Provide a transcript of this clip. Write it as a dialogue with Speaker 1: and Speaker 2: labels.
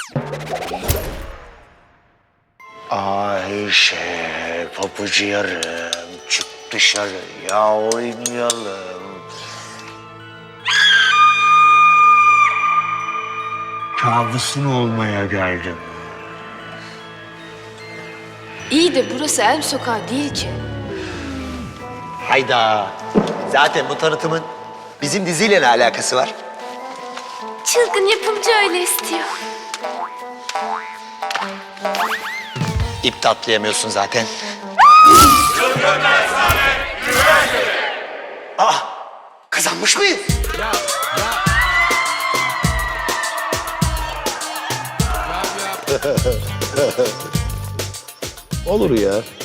Speaker 1: Ayşe, pabucu yarım, çık dışarı ya oynayalım. Kabusun olmaya geldim.
Speaker 2: İyi de burası Elm Sokağı değil ki.
Speaker 3: Hayda. Zaten bu tanıtımın bizim diziyle ne alakası var?
Speaker 2: Çılgın yapımcı öyle istiyor.
Speaker 3: İp de atlayamıyorsun zaten. Kazanmış mıyız?
Speaker 4: Olur ya.